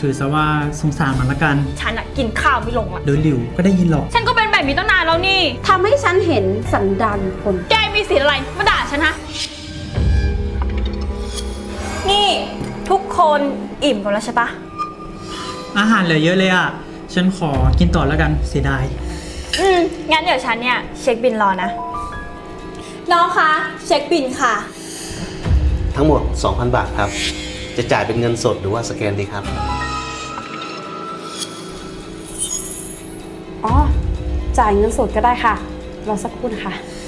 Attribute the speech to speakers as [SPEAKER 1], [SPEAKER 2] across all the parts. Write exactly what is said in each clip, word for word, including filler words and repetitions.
[SPEAKER 1] ถือซะว่าสงสารมันละกัน
[SPEAKER 2] ฉันอะกินข้าวไม่ลงละ
[SPEAKER 1] เดี๋ยวหลิวก็ได้ยินหรอก
[SPEAKER 2] ฉันก็เป็นแบบนี้ตั้งนานแล้วนี่
[SPEAKER 3] ทำให้ฉันเห็นสันดานคน
[SPEAKER 2] แกมีสิทธิ์อะไรมาด่าฉันฮะ นี่ทุกคนอิ่มกันแล้วใช่ปะ
[SPEAKER 1] อาหารเหลือเยอะเลยอ่ะฉันขอกินต่อแล้วกันเสียดาย
[SPEAKER 2] อืมงั้นเดี๋ยวฉันเนี่ยเช็คบินรอนะ น้องคะเช็คบินค่ะ
[SPEAKER 4] ทั้งหมด สองพัน บาทครับ จะจ่ายเป็นเงินสดหรือว่าสแกนดีครับ
[SPEAKER 3] อ๋อ จ่ายเงินสดก็ได้ค่ะ รอสักครู่นะคะ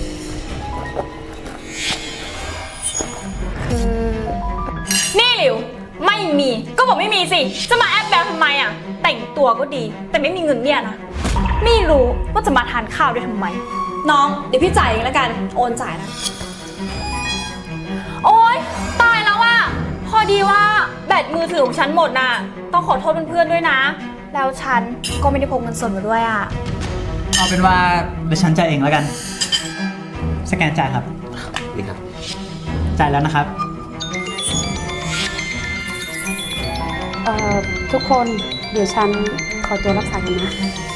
[SPEAKER 3] คือ
[SPEAKER 2] นี่หลิวไม่มีก็บอกไม่มีสิจะมาแอบแบบทำไมอ่ะแต่งตัวก็ดีแต่ไม่มีเงินเนี่ยนะไม่รู้ว่าจะมาทานข้าวด้วยทำไมน้องเดี๋ยวพี่จ่ายเองแล้วกันโอนจ่ายนะโอ๊ยตายแล้วอ่ะพอดีว่าแบตมือถือของฉันหมดน่ะต้องขอโทษเพื่อนๆด้วยนะแล้วฉันก็ไม่ได้พกเงินสดมาด้วยอ่ะ
[SPEAKER 1] เอาเป็นว่าเดี๋ยวฉันจ่ายเองแล้วกันสแกนจ่ายครับ
[SPEAKER 4] นี่ครับ
[SPEAKER 1] จ่ายแล้วนะครับ
[SPEAKER 3] เอ่อ ทุกคนเดี๋ยวฉันขอตัวรักษากันนะ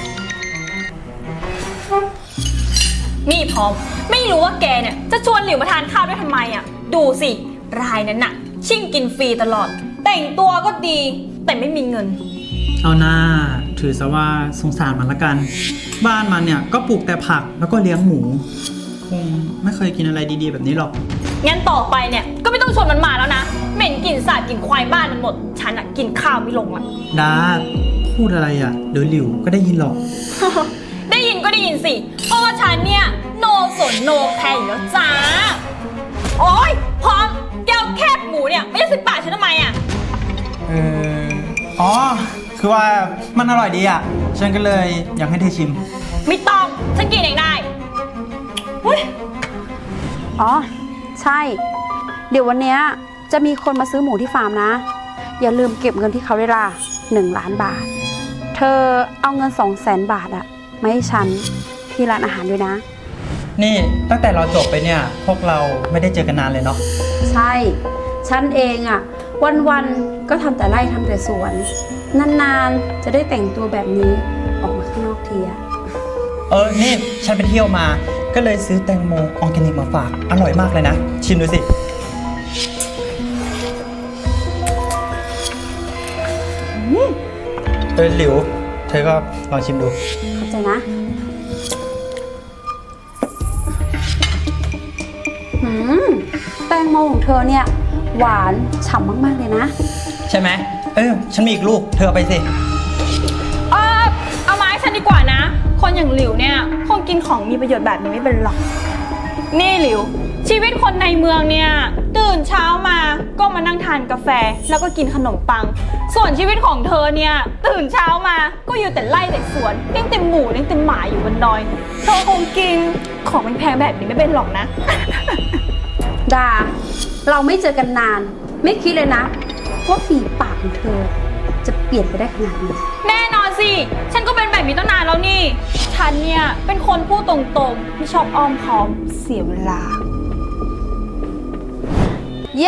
[SPEAKER 2] นี่พร้อมไม่รู้ว่าแกเนี่ยจะชวนหลิวมาทานข้าวด้วยทำไมอ่ะดูสิรายนั้นน่ะชิ่งกินฟรีตลอดแต่งตัวก็ดีแต่ไม่มีเงิน
[SPEAKER 1] เอาหน้าถือซะว่าสงสารมันละกัน บ้านมันเนี่ยก็ปลูกแต่ผักแล้วก็เลี้ยงหมูคงไม่เคยกินอะไรดีๆแบบนี้หรอก
[SPEAKER 2] งั้นต่อไปเนี่ยก็ไม่ต้องชวนมันมาแล้วนะเหม็นกลิ่นสาบกลิ่นควายบ้านมันหมดฉันอะกินข้าวไม่ลงละ
[SPEAKER 1] ดาพูดอะไรอ่ะเดี๋ยวหลิวก็ได้ยินหรอก
[SPEAKER 2] ได้ยินก็ได้ยินสิเพราะว่าฉันเนี่ยโนสนโนแคร์อยู่แล้วจ้าโอ๊ยพร้อมแก้วแคบหมูเนี่ยไม่ใช่สิบบาทฉันทำไมอะ
[SPEAKER 1] เอออ๋อคือว่ามันอร่อยดีอ่ะฉันก็เลยอยากให้เธอชิม
[SPEAKER 2] ไม่ต้องฉันกินเองได้อุ๊ย
[SPEAKER 3] อ๋อ ใช่ เดี๋ยววันเนี้ยจะมีคนมาซื้อหมูที่ฟาร์มนะ อย่าลืมเก็บเงินที่เขาได้ละหนึ่งล้านบาท เธอเอาเงินสองแสนบาทอะมาให้ฉันที่ร้านอาหารด้วยนะ
[SPEAKER 1] นี่ตั้งแต่เราจบไปเนี่ยพวกเราไม่ได้เจอกันนานเลยเนาะ
[SPEAKER 3] ใช่ ฉันเองอะวันๆก็ทำแต่ไร่ทำแต่สวน นานๆจะได้แต่งตัวแบบนี้ออกมาข้างนอกทีอะ
[SPEAKER 1] เออนี่ฉันไปเที่ยวมาก็เลยซื้อแตงโมออร์แกนิกมาฝากอร่อยมากเลยนะชิมดูสิเออหลิวเธอก็ลองชิมดู
[SPEAKER 3] เข้าใจนะหืมแตงโมของเธอเนี่ยหวานฉ่ำมากๆเลยนะ
[SPEAKER 1] ใช่ไหมเออฉันมีอีกลูกเธอเอาไปสิ
[SPEAKER 2] เออเอามาให้ฉันดีกว่านะ คนอย่างหลิวเนี่ยคงกินของมีประโยชน์แบบนี้ไม่เป็นหรอกนี่หลิวชีวิตคนในเมืองเนี่ยตื่นเช้ามาก็มานั่งทานกาแฟแล้วก็กินขนมปัง ส่วนชีวิตของเธอเนี่ยตื่นเช้ามาก็อยู่แต่ไร่แต่สวนเลี้ยงแต่หมูเลี้ยงแต่หมาอยู่บนดอยเธอคงกินของแพงๆแบบนี้ไม่เป็นหรอกนะ
[SPEAKER 3] ดา เราไม่เจอกันนาน ไม่คิดเลยนะว่าฝีปากของเธอ จะเปลี่ยนไปได้ขนาดนี้
[SPEAKER 2] แน่นอนสิ ฉันก็เป็นแบบนี้ตั้งนานแล้วนี่ ฉันเนี่ยเป็นคนพูดตรงๆไม่ชอบอ้อมค้อมเสียเวลา เย้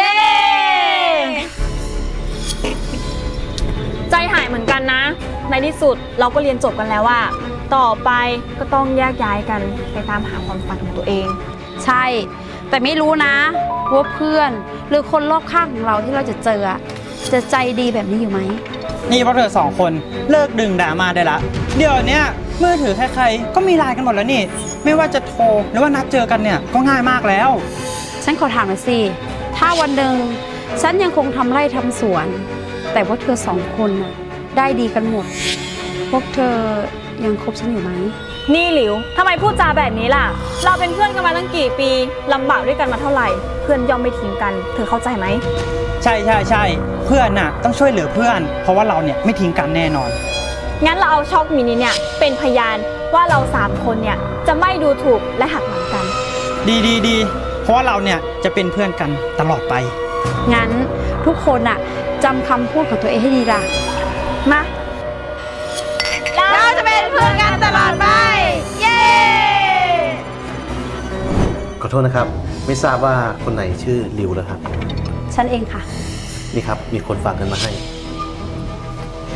[SPEAKER 2] ใจหายเหมือนกันนะ ในที่สุดเราก็เรียนจบกันแล้วว่า ต่อไปก็ต้องแยกย้ายกันไปตามหาความฝันของตัวเอง
[SPEAKER 3] ใช่ แต่ไม่รู้นะว่าเพื่อนหรือคนรอบข้างของเราที่เราจะเจออะจะใจดีแบบนี้อยู่ไหม
[SPEAKER 1] นี่พวกเธอสองคนเลิกดึงด่ามาได้ละเดี๋ยวเนี้ยมือถือใครๆก็มีไลน์กันหมดแล้วนี่ไม่ว่าจะโทรหรือว่านัดเจอกันเนี่ยก็ง่ายมากแล้ว
[SPEAKER 3] ฉันขอถามหน่อยสิ ถ้าวันหนึ่งฉันยังคงทำไร่ทำสวน แต่ว่าเธอสองคนน่ะได้ดีกันหมด พวกเธอยังคบฉันอยู่ไหม
[SPEAKER 2] นี่หลิวทำไมพูดจาแบบนี้ล่ะ เราเป็นเพื่อนกันมาตั้งกี่ปีลำบากด้วยกันมาเท่าไหร่ เพื่อนย่อมไม่ทิ้งกัน เธอเข้าใจไหม
[SPEAKER 1] ใช่ใช่ใช่เพื่อนน่ะต้องช่วยเหลือเพื่อน เพราะว่าเราเนี่ยไม่ทิ้งกันแน่นอน
[SPEAKER 2] งั้นเราเอาช็อกมินิเนี่ยเป็นพยานว่าเราสามคนเนี่ยจะไม่ดูถูกและหักหลังกัน
[SPEAKER 1] ดีดีดีเพราะว่าเราเนี่ยจะเป็นเพื่อนกันตลอดไป
[SPEAKER 3] งั้นทุกคนน่ะจำคำพูดของตัวเองให้ดีล่ะ
[SPEAKER 2] มา เราจะเป็นเพื่อนกันตลอดไป เย้
[SPEAKER 4] ขอโทษนะครับ ไม่ทราบว่าคนไหนชื่อริวแล้วครับ
[SPEAKER 3] ฉันเองค่ะ
[SPEAKER 4] นี่ครับ มีคนฝากเงินมาให้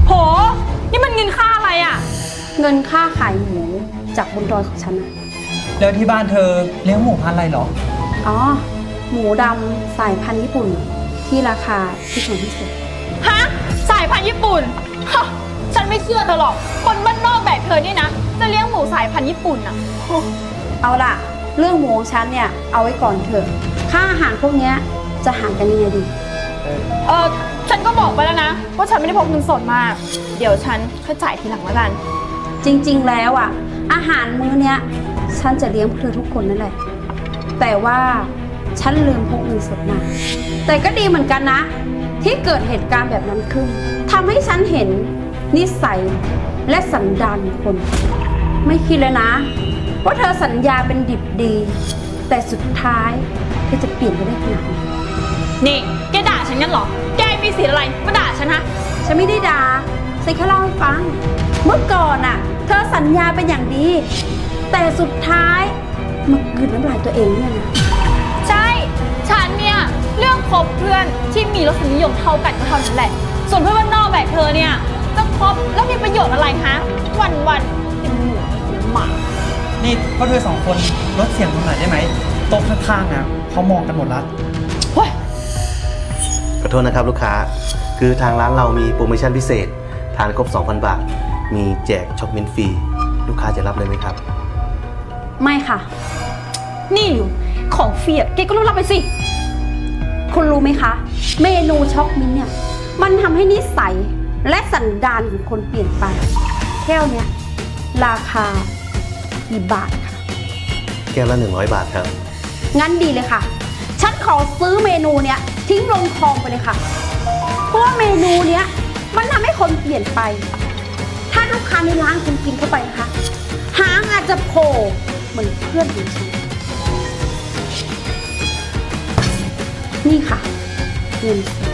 [SPEAKER 2] โห นี่มันเงินค่าอะไรอะ
[SPEAKER 3] เงินค่าขายหมูจากบนดอยของฉันนะ
[SPEAKER 1] แล้วที่บ้านเธอเลี้ยงหมูพันธุ์อะไรเหรอ
[SPEAKER 3] อ๋อ หมูดำสายพันธุ์ญี่ปุ่นที่ราคาที่ถูกที่สุด
[SPEAKER 2] ฮะ สายพันธุ์ญี่ปุ่นฮะฉันไม่เชื่อเธอหรอก คนบ้านนอกแบบเธอนี่นะ จะเลี้ยงหมูสายพันธุ์ญี่ปุ่นอะโอ้
[SPEAKER 3] เอาล่ะ เรื่องหมูของฉันเนี่ยเอาไว้ก่อนเถอะ ค่าอาหารพวกเนี้ยจะหารกันยังไงดี
[SPEAKER 2] เออฉันก็บอกไปแล้วนะ ว่าฉันไม่ได้พกเงินสดมา เดี๋ยวฉันค่อยจ่ายทีหลังแล้วกัน
[SPEAKER 3] จริงๆ แล้วอ่ะ อาหารมื้อเนี้ยฉันจะเลี้ยงพวกเธอทุกคนนั่นแหละ แต่ว่าฉันลืมพกเงินสดมา แต่ก็ดีเหมือนกันนะ ที่เกิดเหตุการณ์แบบนั้นขึ้นทำให้ฉันเห็นนิสัยและสันดานของคน ไม่คิดเลยนะ ว่าเธอสัญญาเป็นดิบดี แต่สุดท้ายเธอจะเปลี่ยนไปได้ขนาดไหน
[SPEAKER 2] นี่ แกด่าฉันงั้นเหรอ แกมีสิทธิ์อะไรมาด่าฉันฮะ
[SPEAKER 3] ฉันไม่ได้ด่าฉันแค่เล่าให้ฟัง เมื่อก่อนน่ะ เธอสัญญาเป็นอย่างดี แต่สุดท้ายมากลืนน้ำลายตัวเองเนี่ยนะ
[SPEAKER 2] ใช่ ฉันเนี่ยเรื่องคบเพื่อนที่มีรสนิยมเท่ากันก็เท่านั้นแหละ ส่วนเพื่อนบ้านนอกแบบเธอเนี่ยจะคบแล้วมีประโยชน์อะไรฮะ วันวันๆเป็นหมูเป็นหมา
[SPEAKER 1] นี่พวกเธอสองคนลดเสียงลงหน่อยได้ไหมโต๊ะข้างๆนะเขามองกันหมดแล้ว
[SPEAKER 2] เฮ้ย
[SPEAKER 4] ขอโทษนะครับลูกค้า คือทางร้านเรามีโปรโมชั่นพิเศษ ทานครบ สองพัน บาท มีแจกช็อกมิ้นท์ฟรี ลูกค้าจะรับเลยไหมครับ
[SPEAKER 3] ไม่ค่ะ
[SPEAKER 2] นี่อยู่ของเฟียดแกก็รู้รับไปสิ
[SPEAKER 3] คุณรู้ไหมคะ เมนูช็อกมิ้นท์เนี่ย มันทำให้นิสัยและสันดานของคนเปลี่ยนไปแก้วเนี้ยราคากี่บาทคะ
[SPEAKER 4] แก้วละหนึ่งร้อยบาทครับ
[SPEAKER 3] งั้นดีเลยค่ะ ฉันขอซื้อเมนูเนี้ยทิ้งลงคลองไปเลยค่ะ เพราะว่าเมนูเนี้ยมันทำให้คนเปลี่ยนไป ถ้าลูกค้าในร้านคุณกินเข้าไปนะคะ หางอาจจะโผล่เหมือนเพื่อนของฉัน นี่ค่ะ เงินสด